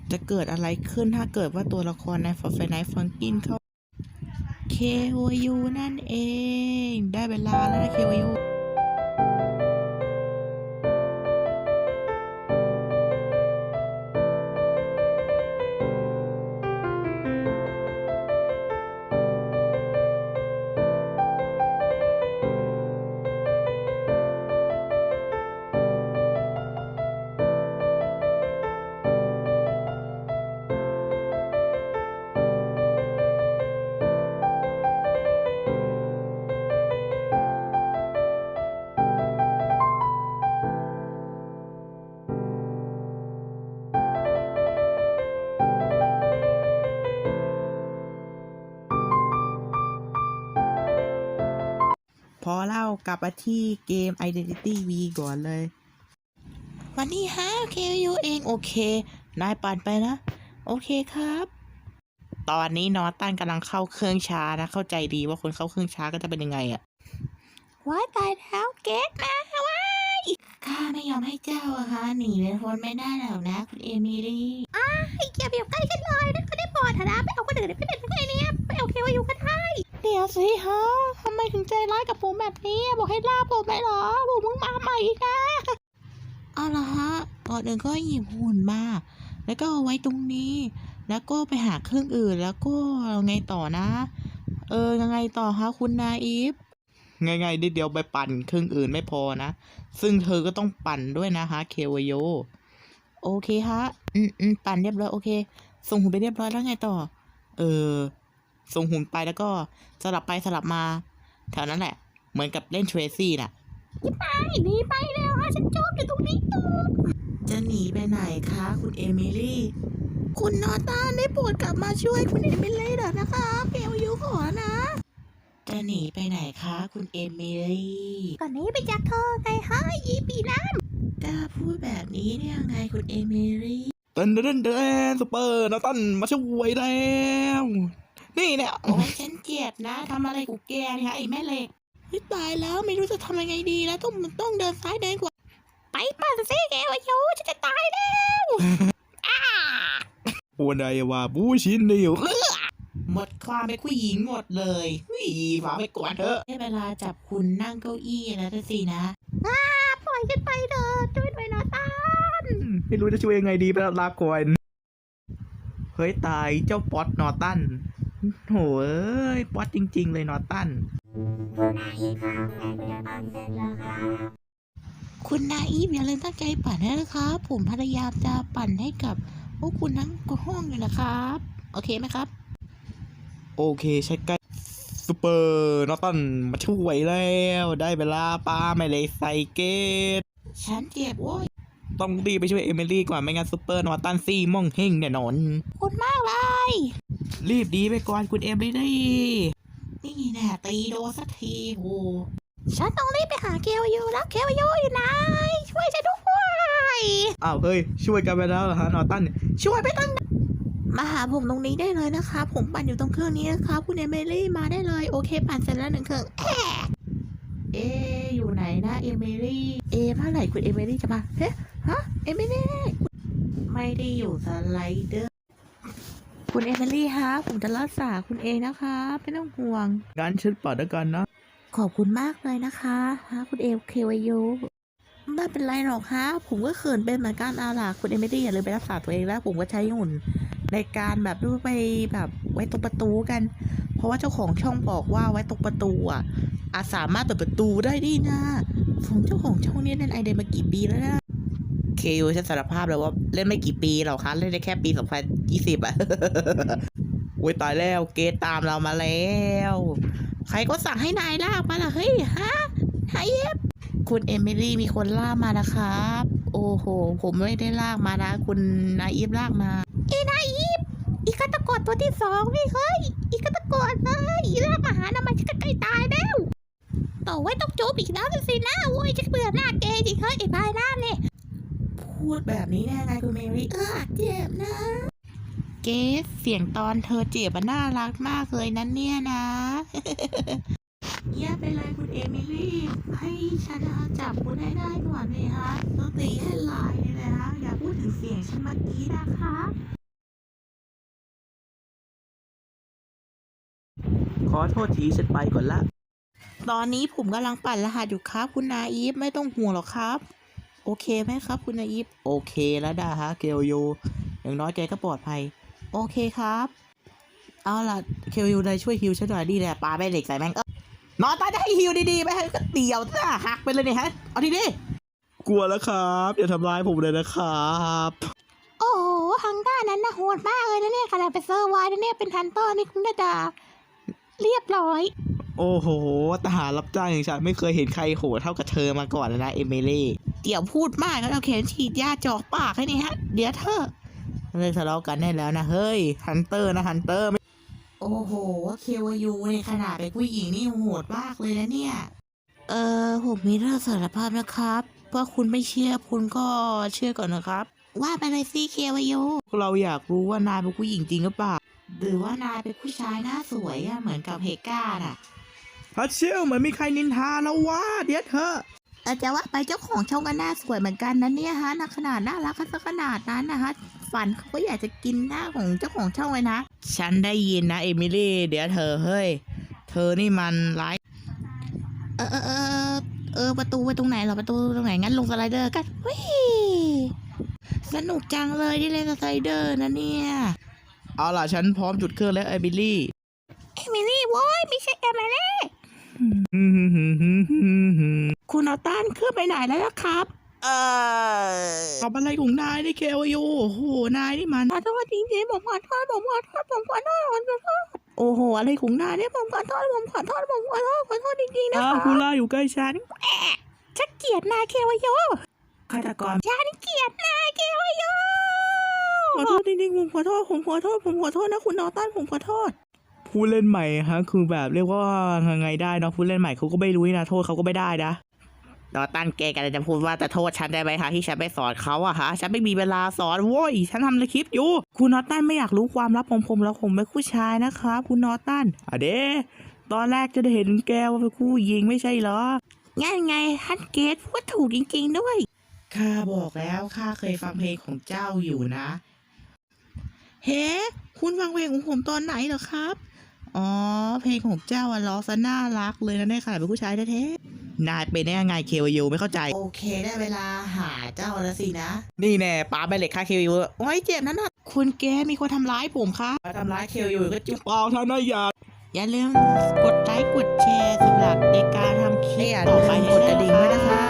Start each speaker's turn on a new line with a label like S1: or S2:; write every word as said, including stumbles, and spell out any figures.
S1: จะเกิดอะไรขึ้นถ้าเกิดว่าตัวละครใน Fortnite Funkin เข้า เค โอ ยู นั่นเองได้เวลาแล้วนะ เค โอ ยู พอเล่ากลับมาที่เกม Identity V ก่อนเลย วันนี้ฮะ เค โอ ยู เองโอเคนายปั่นไปนะ โอเคครับ ตอนนี้นอตันกำลังเข้าเครื่องช้านะ เข้าใจดีว่าคนเข้าเครื่องช้าก็จะเป็นยังไงอะว้ายตายแล้วเกตนะว้ายข้าไม่ยอมให้เจ้าอะค่ะหนีเป็นคนไม่ได้หรอกนะคุณเอมิลี่อ้าอย่าไปอยู่ใกล้ฉันเลยนะก็ได้ปลอดนะไปเอาคนอื่นไม่เป็นไงเนี่ยไปเอาเคโอยูกันได้เดี๋ยวสิฮะทำไมถึงใจร้ายกับผมแบบนี้บอกให้ล่าผมไปเหรอผมมึงมาใหม่อีกนะเอาละฮะก่อนอื่นก็หยิบหุ่นมาแล้วก็เอาไว้ตรงนี้แล้วก็ไปหาเครื่องอื่นแล้วก็ไงต่อนะเออยังไงต่อฮะคุณนาอีฟง่ายๆนิดเดียวไปปั่นเครื่องอื่นไม่พอนะซึ่งเธอก็ต้องปั่นด้วยนะฮะเคโอโยโอเคฮะอืมอืมปั่นเรียบร้อยโอเคส่งหุ่นไปเรียบร้อยแล้วไงต่อเออส่งหุ่นไปแล้วก็สลับไปสลับมาแถวนั้นแหละเหมือนกับเล่นเทรซี่น่ะไปหนีไปแล้วฮะฉันจมอยู่ตรงนี้ตัวจะหนีไปไหนคะคุณเอมิลี่คุณนอตาได้โปรดกลับมาช่วยคุณเอมิลี่เถอะนะคะเคโอยูขอนะจะหนีไปไหนคะคุณเอมิลี่ก่อนนี้ไปจากเธอไงฮะยีปีน้ำกล้าพูดแบบนี้ได้ยังไงคุณเอมิลี่เต้นเต้นเต้นสเปอร์นาตันมาช่วยแล้วนี่เนี่ยโอ้ยฉันเจ็บนะทำอะไรกูแกเนี่ยไอ้แม่เหล็กตายแล้วไม่รู้จะทำยังไงดีแล้วต้องต้องเดินซ้ายเดินขวาไปปั่นซิแกวะโยฉันจะตายแล้ววันใดว่าบูชินเดียวหมดความเป็นผู้หญิงหมดเลยนี่ฝาไปก่อนเถอะได้เวลาจับคุณนั่งเก้าอี้แล้วสินะอ้าปล่อยฉันไปเถอะช่วยด้วยนะตันไม่รู้จะช่วยยังไงดีไปลาก่อนเฮ้ยตายเจ้าป๊อตนอตันโหยป๊อตจริงๆเลยนอตันคุณนาอีฟอย่าลืมตั้งใจปั่นนะครับผมพยายามจะปั่นให้กับพวกคุณทั้งห้องอยู่นะครับโอเคไหมครับโอเคใช่ใกล้ซูเปอร์นอตันมาช่วยแล้วได้เวลาปาไม่เลยใส่เกตฉันเจ็บโว้ยต้องรีบไปช่วยเอมิลี่ก่อนไม่งั้นซูเปอร์นอตันซี่ม่องเฮงแน่นอนคุณมากเลยรีบดีไปก่อนคุณเอมิลี่นี่แน่ตีโดสักทีโหฉันต้องรีบไปหาเคโอยูแล้วเคโอยูอยู่ไหนช่วยฉันด้วยอ้าวเฮ้ยช่วยกันไปแล้วเหรอฮะนอตันช่วยไปตั้งมาหาผมตรงนี้ได้เลยนะคะผมปั่นอยู่ตรงเครื่องนี้นะครับคุณเอมิลี่มาได้เลยโอเคปั่นเสร็จแล้วหนึ่งเครื่องแอะเออยู่ไหนนะเอมิลี่เอเมื่อไหร่คุณเอมิลี่จะมาเฮ้ฮะเอมิลี่ไม่ได้อยู่สไลเดอร์คุณเอมิลี่ฮะผมจะรักษาคุณเองนะคะไม่ต้องห่วงงั้นฉันปั่นด้วยกันนะขอบคุณมากเลยนะคะฮะคุณเอเควายูไม่เป็นไรหรอกฮะผมก็เขินเป็นเหมือนกันเอาล่ะคุณเอมิลี่อย่าลืมไปรักษาตัวเองแล้วผมก็ใช้หุ่นในการแบบดูไปแบบไว้ตรงประตูกันเพราะว่าเจ้าของช่องบอกว่าไว้ตรงประตูอ่ะอาจสามารถเปิดประตูได้ดีนะของเจ้าของช่องนี้เล่นไอเดนมากี่ปีแล้วนะเคยูฉันสารภาพเลยว่าเล่นไม่กี่ปีหรอกคะเล่นได้แค่ปีสองพันยี่สิบอ่ะ โอ้ยตายแล้วเกตตามเรามาแล้วใครก็สั่งให้นายลากมาล่ะเฮ้ยฮะไฮเอฟคุณเอมิลี่มีคนลากมานะครับโอ้โหผมไม่ได้ลากมานะคุณนายอีฟลากมาเอ้นายอีฟอีฆาตกรตัวที่สองนี่เฮ้ยอีฆาตกรเลยลากมาหาทำไมจะใกล้ตายแล้วต่อไว้ต้องโจมอีกแล้วสินะโว้ยจะเบื่อหน้าเกย์จริงเฮ้ยไอ้พายหน้าเนี่ยพูดแบบนี้ได้ไงคุณเมรี่เออเจ็บนะเกสเสียงตอนเธอเจ็บมันน่ารักมากเลยนั่นเนี่ยนะ อย่าเป็นไรคุณเอมิลี่ให้ฉันจับคุณให้ได้ก่อนเลยฮะต้องตีให้ลายเลยนะฮะอย่าพูดถึงเสียงฉันเมื่อกี้นะคะขอโทษทีฉันไปก่อนละตอนนี้ผมกำลังปั่นรหัสอยู่ครับคุณนาอีฟไม่ต้องห่วงหรอกครับโอเคไหมครับคุณนาอีฟโอเคแล้วดาฮะเกลยูอย่างน้อยแกก็ปลอดภัยโอเคครับเอาล่ะเกลยูได้ช่วยฮิวฉันหน่อยดีแหละปาไปเหล็กใส่แม่งเออนอนตายจะให้ฮิวดีๆไปให้ก็เตี่ยวซะหักไปเลยเนี่ยฮะเอาดีๆกลัวแล้วครับอย่าทำร้ายผมเลยนะครับโอ้โหทางด้านนั้นนะโหดมากเลยนะเนี่ยขนาดเป็นเซอร์ไวน์นะเนี่ยเป็นทันเตอร์นี่คุณดาดาเรียบร้อยโอ้โหทหารรับจ้างอย่างฉันไม่เคยเห็นใครโหดเท่ากับเธอมาก่อนเลยนะเอมิลี่เดี๋ยวพูดมากแล้วเอาเข็มฉีดยาจอกปากให้นี่ฮะเดี๋ยวเธอเลิกทะเลาะกันได้แล้วนะเฮ้ยฮันเตอร์นะฮันเตอร์โอ้โหเควยูในขนาดเป็นผู้หญิงนี่โหดมากเลยนะเนี่ยเออผมมีเรื่องสารภาพนะครับว่าคุณไม่เชื่อคุณก็เชื่อก่อนนะครับว่าไปเลยสิเควยูเราอยากรู้ว่านายเป็นผู้หญิงจริงหรือเปล่าหรือว่านายเป็นผู้ชายหน้าสวยอะเหมือนกับเฮก้าน่ะฮัทเชลเหมือนมีใครนินทาแล้ววะเดี๋ยวเธอแต่จะว่าไปเจ้าของช่องก็น่าสวยเหมือนกันนะเนี่ยฮะน่าขนาดน่ารักกันสักขนาดนั้นนะฮะฝันเขาก็อยากจะกินหน้าของเจ้าของช่องเลยนะฉันได้ยินนะเอมิลี่เดี๋ยวเธอเฮ้ยเธอนี่มันร้ายเออเออเออเออประตูไปตรงไหนเหรอประตูตรงไหนงั้นลงสไลเดอร์กันวิสนุกจังเลยที่เล่นสไลเดอร์นะเนี่ยเอาล่ะฉันพร้อมจุดเครื่องแล้วเอมิลี่เอมิลี่โว้ยไม่ใช่เอมิลี่คุณเอาต้านเครื่องไปไหนแล้วครับเออทำอะไรของนายนี่เคลยูโอ้โหนายนี่มันขอโทษจริงๆผมขอโทษผมขอโทษผมขอโทษผมขอโทษโอ้โหอะไรของนายเนี่ยผมขอโทษผมขอโทษผมขอโทษขอโทษจริงๆนะคะคุณล่าอยู่ใกล้ฉันแอะฉันเกลียดนายเคลยูฆาตกรฉันเกลียดนายเคลยูขอโทษจริงๆผมขอโทษผมขอโทษผมขอโทษนะคุณนอตันผมขอโทษผู้เล่นใหม่ฮะคือแบบเรียกว่าไงได้เนาะผู้เล่นใหม่เขาก็ไม่รู้นะโทษเขาก็ไม่ได้นะนอตันแกกันจะพูดว่าจะโทษฉันได้ไหมคะที่ฉันไปสอนเขาอะฮะฉันไม่มีเวลาสอนโว้ยฉันทำคลิปอยู่คุณนอตันไม่อยากรู้ความลับของผมแล้วผมเป็นผู้ชายนะครับคุณนอตันอะเด้ตอนแรกจะได้เห็นแกว่าเป็นผู้หญิงไม่ใช่เหรองั้นไงฮันเกตพูดถูกจริงๆด้วยข้าบอกแล้วข้าเคยฟังเพลงของเจ้าอยู่นะเฮ้คุณฟังเพลงของผมตอนไหนเหรอครับอ๋อเพลงของเจ้าอะร้องซะน่ารักเลยนะเนี่ยค่ะเป็นผู้ชายแท้ๆนายเป็นได้ยังไงเควิวไม่เข้าใจโอเคได้เวลาหาเจ้าแล้วสินะนี่แน่ปาไปเหล็กค่าเควิวโอ้ยเจ็บนั่นน่ะคุณแกมีคนทำร้ายผมครับมาทำร้ายเควิวก็จุ๊บเปล่าท่านนายอย่าอย่าลืมกดไลค์กดแชร์สำหรับในการทำคลิปต่อไปกดกระดิ่งด้วยนะคะ